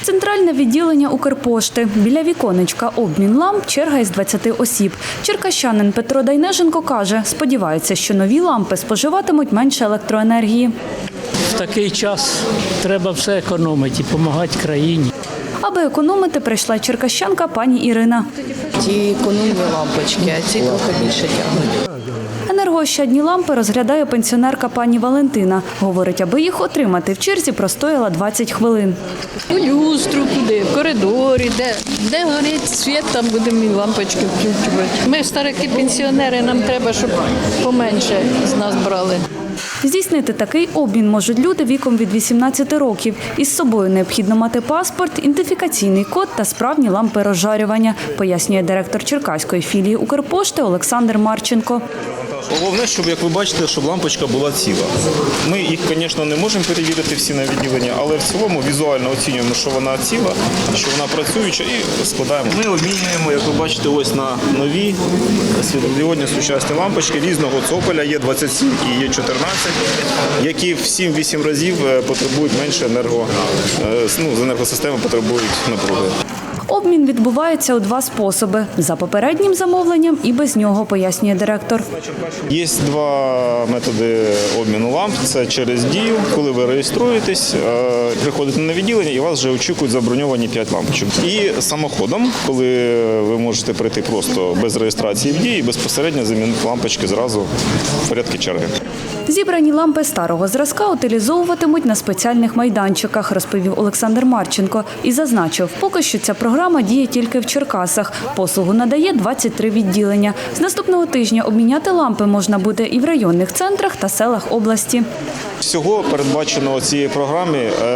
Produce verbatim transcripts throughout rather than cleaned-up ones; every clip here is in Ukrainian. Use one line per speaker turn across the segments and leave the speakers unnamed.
Центральне відділення Укрпошти. Біля віконечка обмін ламп, черга із двадцяти осіб. Черкащанин Петро Дайнеженко каже, сподівається, що нові лампи споживатимуть менше електроенергії.
В такий час треба все економити і допомагати країні.
Аби економити, прийшла черкащанка пані Ірина.
Ті економні лампочки, а ці трохи більше тягнуть.
Енергоощадні лампи розглядає пенсіонерка пані Валентина. Говорить, аби їх отримати, в черзі простояла двадцять хвилин.
У люстру куди, в коридорі, де, де горить світ, там будемо і лампочки включувати. Ми старики пенсіонери, нам треба, щоб поменше з нас брали.
Здійснити такий обмін можуть люди віком від вісімнадцяти років. Із собою необхідно мати паспорт, ідентифікаційний код та справні лампи розжарювання, пояснює директор Черкаської філії Укрпошти Олександр Марченко.
Головне, щоб, як ви бачите, щоб лампочка була ціла. Ми їх, звісно, не можемо перевірити всі на відділенні, але в цілому візуально оцінюємо, що вона ціла, що вона працююча і складаємо. Ми обмінюємо, як ви бачите, ось на нові світлодіодні сучасні лампочки різного цоколя, є двадцять сім і є чотирнадцять, які в сім-вісім разів потребують менше енерго, ну, з енергосистеми потребують напруги.
Обмін відбувається у два способи – за попереднім замовленням і без нього, пояснює директор.
Є два методи обміну ламп. Це через дію, коли ви реєструєтесь, приходите на відділення і вас вже очікують заброньовані п'ять лампочок. І самоходом, коли ви можете прийти просто без реєстрації в дії і безпосередньо замінити лампочки зразу в порядку черги.
Зібрані лампи старого зразка утилізовуватимуть на спеціальних майданчиках, розповів Олександр Марченко. І зазначив, поки що ця програма діє тільки в Черкасах. Послугу надає двадцять три відділення. З наступного тижня обміняти лампи можна буде і в районних центрах та селах області.
Всього передбачено цієї програмі,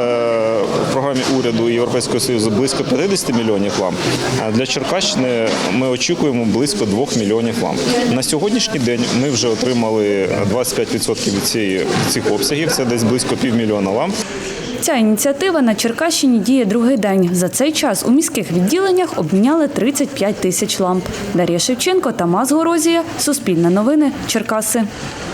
в програмі уряду і Європейського Союзу близько п'ятдесят мільйонів ламп. Для Черкащини ми очікуємо близько двох мільйонів ламп. На сьогоднішній день ми вже отримали двадцять п'ять відсотків від цієї, цих обсягів, це десь близько півмільйона ламп.
Ця ініціатива на Черкащині діє другий день. За цей час у міських відділеннях обміняли тридцять п'ять тисяч ламп. Дар'я Шевченко, Тамас Горозія, Суспільне новини, Черкаси.